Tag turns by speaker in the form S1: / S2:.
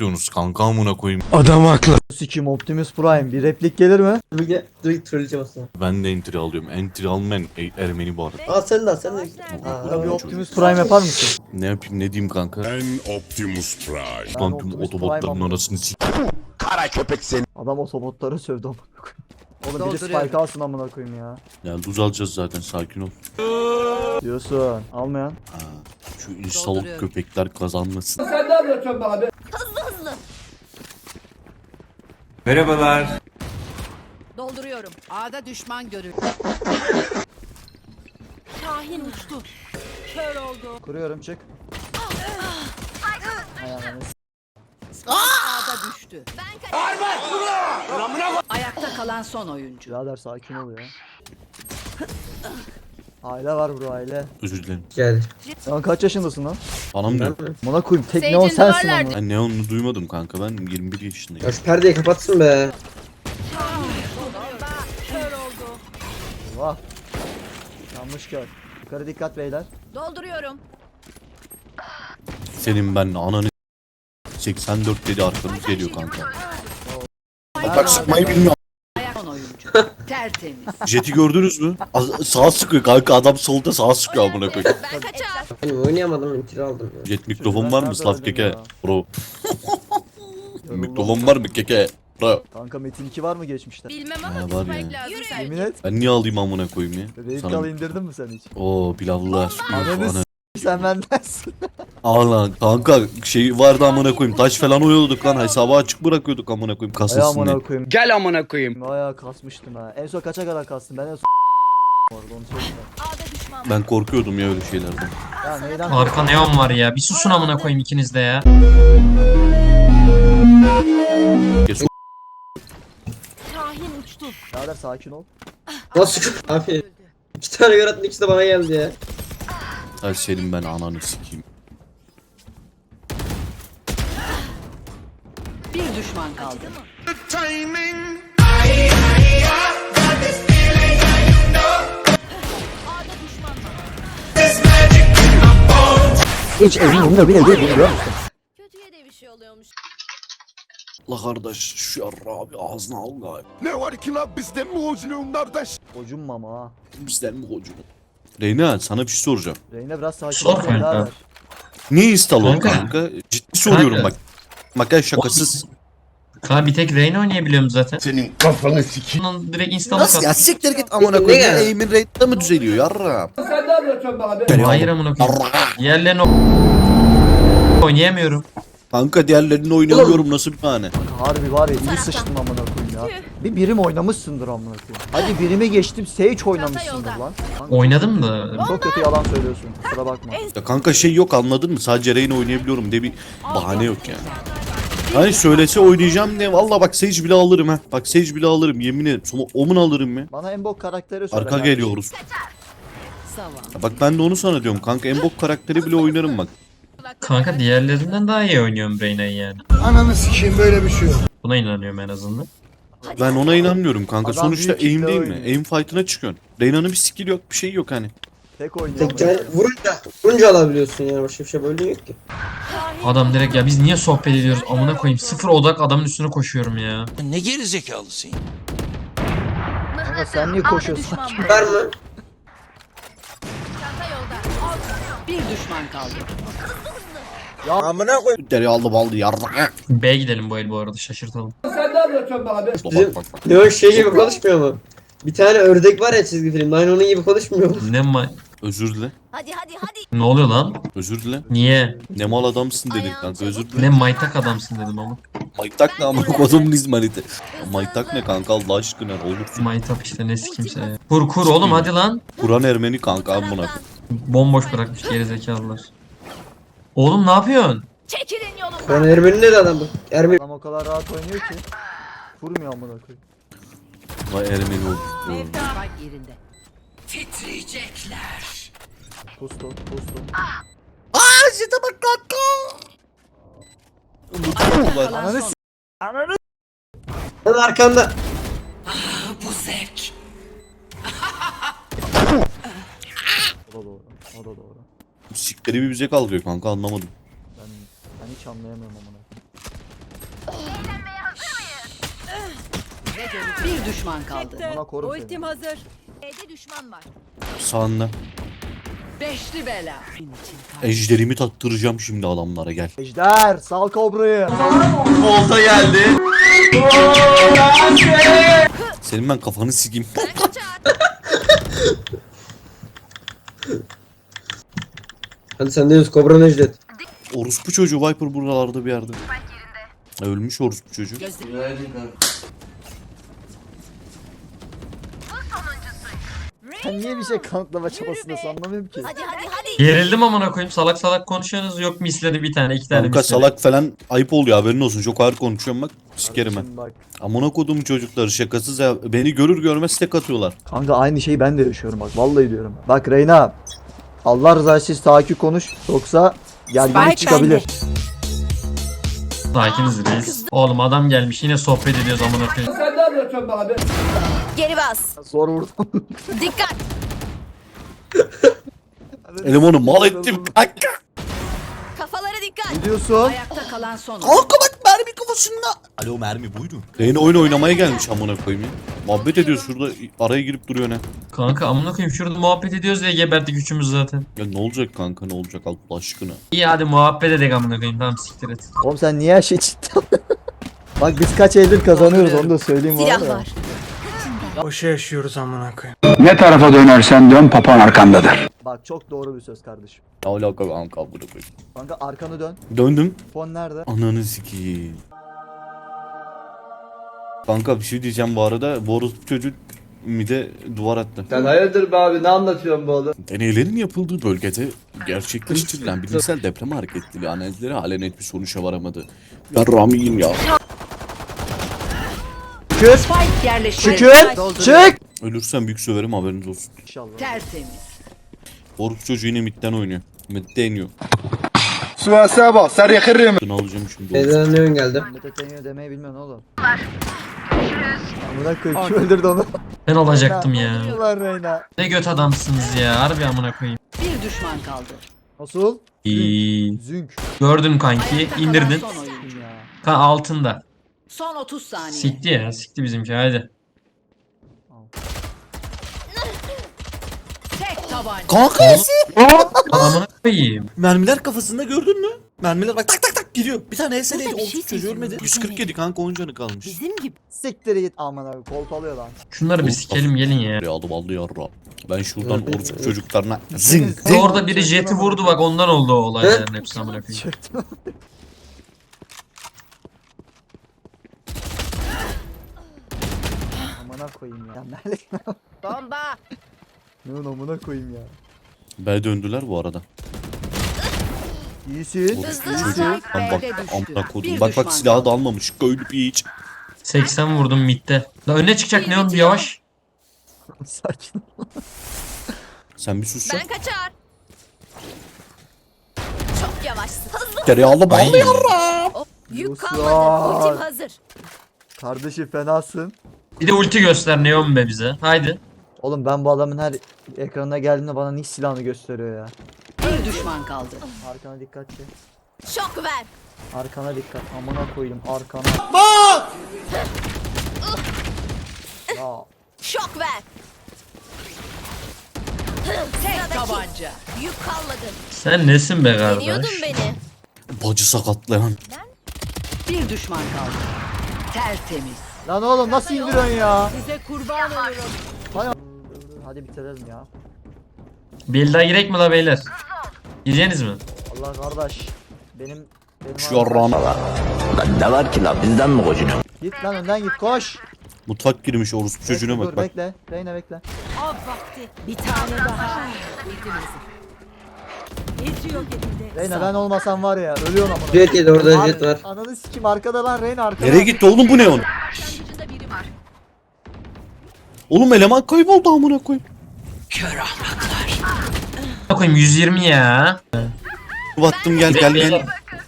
S1: atıyorsunuz kanka amına koyayım.
S2: Adam haklı.
S3: Sikim Optimus Prime bir replik gelir mi?
S4: Dur trolleyeceğim aslında.
S1: Ben de entry alıyorum. Entry almayan Ermeni bu arada.
S4: Aa sen de al sen de.
S3: Bana bir Optimus Prime yapar mısın?
S1: Ne yapayım ne diyeyim kanka?
S5: Ben Optimus Prime.
S3: Ben
S1: Lan tüm
S3: Optimus
S1: otobotların
S3: Prime'ım.
S1: arasını s***.
S5: Kara köpek seni.
S3: Adam otobotları sövdü amına koyayım. Oğlum biri spike alsın amına koyayım ya.
S1: Yani tuz alacağız zaten sakin ol.
S3: Diyorsun. Almayan.
S1: Ha, şu insanlık köpekler kazanmasın.
S6: Dolduruyorum. A'da düşman görüldü. Şahin uçtu. Kör oldu.
S3: Kuruyorum çık. Ayağını
S6: A'da düştü. Ayakta kalan son oyuncu.
S3: birader sakin ol ya. Aile var bro aile.
S1: Özür dilerim.
S4: Geldi.
S3: Sen kaç yaşındasın lan?
S1: Anam diyor.
S3: Amına koyayım tek neon sensin amına.
S1: Ben neonunu duymadım kanka ben 21 yaşındayım.
S4: Ya şu perdeyi kapatsın be.
S3: Vah. Yanlış gör. Yukarı dikkat beyler.
S6: Dolduruyorum.
S1: Senin ben ananı 84 dedi arkamız geliyor kanka.
S5: Bak sıkmayı bilmiyor.
S6: Ayak son oyuncu. Tertemiz.
S1: Jet'i gördünüz mü? Sağa sıkıyor kanka adam solda sağa sıkıyor amına koyayım.
S4: Benim oynayamadım intiri aldım ya.
S1: Jet mikrofon var mı Slav
S3: Nerede
S1: keke?
S3: öldün ya?
S1: Bro.
S3: Yoruldum.
S1: Mikrofon var mı keke? Bro.
S3: Kanka Metin 2 var mı geçmişte?
S6: Bilmem
S1: Ha,
S6: ama
S1: var
S6: spike
S1: ya.
S6: lazım
S3: Yemin
S6: sanki.
S3: et.
S1: Ben niye alayım amına koyayım ya?
S3: Raid
S1: Sana...
S3: Call indirdin mi sen hiç?
S1: Oo pilavlılar.
S3: Ananı
S1: Ana.
S3: Sen bendensin.
S1: Aa lan kanka şey vardı amına koyayım taş falan oyuyorduk lan hesabı açık bırakıyorduk amına koyayım
S3: Ay
S1: kasılsın
S3: amına
S1: diye.
S3: koyayım.
S2: Gel amına koyayım.
S3: Bayağı kasmıştım ha. En son kaça kadar kastım? Ben en son orada onu söyleyeyim.
S1: Ben korkuyordum ya öyle şeylerden.
S3: Ya neyden?
S7: Arka neon var ya. Bir susun amına koyayım ikiniz de ya.
S1: Kes
S6: Şahin uçtu.
S3: Birader sakin ol.
S4: Nasıl? Abi. 2 tane yaratın ikisi de bana geldi ya.
S1: Ay senin ben ananı sikeyim.
S6: Bir düşman kaldı.
S3: Hiç evimde bile değil biliyor musun?
S6: Kötüye de bir şey oluyormuş.
S1: La kardeş şu yarra abi ağzına al gayet.
S5: Ne var ki lan bizden mi hoculuğum kardeş?
S3: Hocum mama ha.
S1: Bizden mi hocam? Reyna sana bir şey soracağım.
S3: Reyna biraz sakin
S7: Sor
S3: ol
S7: kanka.
S3: birader.
S1: Niye install ol
S7: Kanka.
S1: kanka? Ciddi soruyorum
S7: Kanka.
S1: bak. Makyaj şakasız.
S7: Kanka bir tek Reyna oynayabiliyorum zaten.
S5: Senin kafanı sikeyim.
S7: Bunun direkt install'ı
S1: Nasıl ya
S7: kat.
S1: siktir git amına
S4: Ne
S1: koyayım.
S4: ya?
S1: Aim'in rate'de mi düzeliyor yarra?
S7: Hayır amına koyayım. Diğerlerini oynayamıyorum.
S1: Kanka diğerlerini oynamıyorum nasıl bir tane?
S3: Harbi var ya iyi sıçtım amına koyayım ya. Bir birim oynamışsındır amına koyayım. Hadi birimi geçtim Sage oynamışsındır lan. Kanka,
S7: Oynadım da.
S3: çok kötü yalan söylüyorsun. Kusura bakma.
S1: Ya kanka şey yok anladın mı? Sadece Reyna oynayabiliyorum diye bir bahane yok yani. Hani söylese oynayacağım diye valla bak Sage bile alırım ha. Bak Sage bile alırım yemin ederim. Sonra Omun alırım ya.
S3: Bana en bok karakteri söyle.
S1: Arka
S3: yani.
S1: geliyoruz.
S6: Savan.
S1: Ya bak ben de onu sana diyorum kanka en bok karakteri bile oynarım bak.
S7: Kanka diğerlerinden daha iyi oynuyorum Reyna'yı yani.
S5: Ananı sikeyim böyle bir şey yok.
S7: Buna inanıyorum en azından.
S1: Ben ona inanmıyorum kanka.
S3: Adam
S1: Sonuçta
S3: büyük
S1: aim
S3: kitle
S1: değil mi?
S3: oynuyor.
S1: Aim fight'ına çıkıyorsun. Reyna'nın bir skill yok bir şey yok hani.
S3: Tek oynuyor.
S4: Tek yani vurunca alabiliyorsun yani başka bir şey böyle yok ki.
S7: Adam direkt ya biz niye sohbet ediyoruz amına koyayım. Sıfır odak adamın üstüne koşuyorum ya.
S2: Ne geri zekalısın?
S3: Kanka sen niye koşuyorsun?
S4: Var mı?
S6: Bir düşman kaldı.
S1: Deri aldı yarra.
S7: B gidelim bu el bu arada şaşırtalım.
S1: Bak bak.
S4: Ne o şey gibi konuşmuyor mu? Bir tane ördek var ya çizgi filmde aynı onun gibi konuşmuyor mu?
S7: Ne ma...
S1: Özür dile.
S6: Hadi hadi hadi.
S7: Ne oluyor lan?
S1: Özür dile.
S7: Niye?
S1: Ne mal adamsın dedim kanka özür dile.
S7: Ne maytak adamsın dedim ama.
S1: Maytak ne amına kodumun izmariti. Maytak ne kanka Allah aşkına olursun.
S7: Maytap işte ne kimse ya. Kur kur oğlum hadi lan.
S1: Kur'an Ermeni kanka amına.
S7: Bomboş bırakmış gerizekalılar. Oğlum ne yapıyorsun?
S6: Çekilin yolumdan.
S4: Ben Ermeni dedi adam bu. Ermeni.
S3: Adam o kadar rahat oynuyor ki. Vurmuyor amına koyayım.
S1: Vay Ermeni oldu.
S6: Spike yerinde. Titriyecekler.
S3: Pustu pustu.
S1: Zete bak kanka.
S6: Kalan
S3: Ananı
S6: son.
S3: s***. Ananı
S4: Lan arkanda.
S6: Bu zevk.
S3: O da doğru. O da doğru.
S1: Sikleri bir bize kaldırıyor kanka anlamadım.
S3: Ben hiç anlayamıyorum amına koyayım.
S6: Bir düşman kaldı.
S3: Bana korum seni.
S6: Ultim hazır. B'de düşman var.
S1: Sağında.
S6: Beşli bela.
S1: Ejderimi tattıracağım şimdi adamlara gel.
S3: Ejder sal kobrayı.
S1: Senin ben kafanı sikeyim.
S6: Ben kaçar.
S4: Hadi sen de yüz Kobra Necdet.
S1: Orospu çocuğu Viper buralarda bir yerde. Ölmüş orospu çocuğu.
S3: Sen niye bir şey kanıtlama çabasındasın anlamıyorum ki.
S6: Hadi.
S7: Gerildim amına koyayım. Salak salak konuşuyorsunuz. Yok misleri bir tane, iki tane
S1: Kanka
S7: misleri.
S1: salak falan ayıp oluyor haberin olsun. Çok ağır konuşuyorum bak. Sikerim ben.
S3: Şimdi bak.
S1: Amına kodum çocukları şakasız ya. Beni görür görmez tek atıyorlar.
S3: Kanka aynı şeyi ben de yaşıyorum bak vallahi diyorum. Bak Reyna. Allah rızası için sakin konuş. Yoksa gerginlik çıkabilir.
S7: Sakiniz reis. Oğlum adam gelmiş yine sohbet ediyoruz amına koyayım.
S6: Geri bas.
S3: Zor vurdum.
S6: Dikkat.
S1: Elemanı mal ettim. Kanka.
S6: Kafalara dikkat.
S3: Ne diyorsun?
S6: Ayakta kalan son.
S1: Kanka bak mermi kafasında. Alo mermi buyurun. Reyna oyun oynamaya gelmiş amına koyayım ya. Muhabbet ediyoruz şurada araya girip duruyor ne.
S7: Kanka amına koyayım şurada muhabbet ediyoruz diye geberdik üçümüz zaten.
S1: Ya ne olacak kanka ne olacak Allah aşkına.
S7: İyi hadi muhabbet edelim amına koyayım. Tamam siktir et.
S3: Oğlum sen niye her şey ciddi Bak biz kaç eldir kazanıyoruz onu da söyleyeyim var
S6: Silah
S3: ya.
S6: var.
S2: Boşa yaşıyoruz amına koyayım.
S5: Ne tarafa dönersen dön papan arkandadır.
S3: Bak çok doğru bir söz kardeşim.
S1: Ne alaka kanka amına koyayım.
S3: Kanka arkanı dön.
S1: Döndüm.
S3: Fon nerede?
S1: Ananı sikeyim. Kanka bir şey diyeceğim bu arada. Bu orospu çocuk mide duvar attı.
S4: Sen hayırdır be abi ne anlatıyorsun bu oğlum?
S1: Deneylerin yapıldığı bölgede gerçekleştirilen bilimsel deprem hareketleri analizleri halen net bir sonuca varamadı. Ya Rami'yim ya.
S3: Şükür.
S6: Spike yerleştirildi.
S3: Şükür. Çık.
S1: Ölürsem büyük söverim haberiniz olsun.
S3: İnşallah.
S6: Tertemiz.
S1: Orospu çocuğu yine midden oynuyor. Midde iniyor.
S5: Suasa bak sarı yakırım.
S1: Bunu alacağım şimdi.
S4: Neden ne ön geldi?
S3: Mete Teniyor demeyi bilmiyorsun oğlum. Amına koyayım kim öldürdü onu?
S7: Ben olacaktım ya.
S3: Ulan Reyna.
S7: Ne göt adamsınız ya. Harbi amına koyayım.
S6: Bir düşman kaldı.
S3: Nasıl?
S7: İyi.
S3: Zünk.
S7: Gördün kanki.
S6: Ayakta kalan
S7: İndirdin.
S6: son oyuncu.
S3: Ya.
S7: Kan altında.
S6: Son 30 saniye.
S7: Sikti ya. Sikti bizimki hadi.
S6: Tek tabanca.
S1: Kanka
S7: Amına koyayım.
S1: mermiler kafasında gördün mü? Mermiler bak tak tak tak giriyor. Bir tane SL'ydi.
S6: Burada bir şey
S1: Orospu çocuğu
S6: seziyorum.
S1: ölmedi. 147 kanka 10 canı kalmış.
S6: Bizim gibi.
S3: Siktir git aman abi kolpalıyor lan.
S7: Şunları bir sikelim gelin ya.
S1: Ya aldım aldı yarra. Ben şuradan orospu çocuklarına zing zing.
S7: Orada biri jeti vurdu bak ondan oldu o olayların hepsi amına koyayım.
S3: Çöktüm. Amına koyayım ya.
S6: Bomba.
S3: Ne amına koyayım ya.
S1: B döndüler bu arada.
S3: İyisin.
S1: Orospu
S6: Hızlı
S1: çocuğu.
S6: strike
S1: Lan bak
S6: B'de düştü.
S1: amına kodum.
S6: Bir
S1: Bak bak
S6: düşman
S1: silahı da almamış. Köylü piç.
S7: 80 vurdum midde. La önüne çıkacak Neon bir yavaş.
S3: Sakin ol.
S1: Sen bir sus ya.
S6: Ben kaçar. Çok yavaşsın. Hızlı.
S1: Tereyağlı ballı yarra.
S6: Yük
S3: Yusuf.
S6: kalmadı. Ultim hazır.
S3: Kardeşim fenasın.
S7: Bir de ulti göster Neon be bize. Haydi.
S3: Oğlum ben bu adamın her ekranına geldiğinde bana nick silahını gösteriyor ya.
S6: Bir düşman kaldı.
S3: Arkana dikkat et.
S6: Şok ver.
S3: Arkana dikkat. Amına koyayım arkana. Ya
S6: Şok ver. Tek tabanca. Yük kalmadı.
S7: Sen nesin be
S6: Yeniyordun
S7: kardeş?
S6: beni.
S1: Bacı sakatlayan.
S6: Bir düşman kaldı. Tertemiz.
S3: lan oğlum nasıl indiriyorsun ya?
S6: Size kurban olurum.
S3: Hadi bitirelim ya.
S7: Bir daha girek mi la beyler? Gireceğiniz mi?
S3: Allah kardeş. Benim
S1: Şu yarrağını.
S8: Ne var ki la bizden mi kocunuyor?
S3: Git lan önden git koş.
S1: Mutfak girmiş orospu çocuğuna
S3: Bekle,
S1: bak
S3: dur,
S1: bak.
S3: Bekle. Reyna bekle.
S6: Av vakti. Bir tane daha. Eti yok edildi.
S3: Reyna ben olmasam var ya ölüyorum amına.
S4: Jet yedi orada jet var.
S3: Ananı sikim arkada lan Reyna arkada.
S1: Nereye gitti oğlum bu ne onun?
S6: Başlangıcında biri var.
S1: Oğlum eleman kayboldu amına koyayım.
S7: Koyayım 120 ya.
S1: Battım gel gel gel.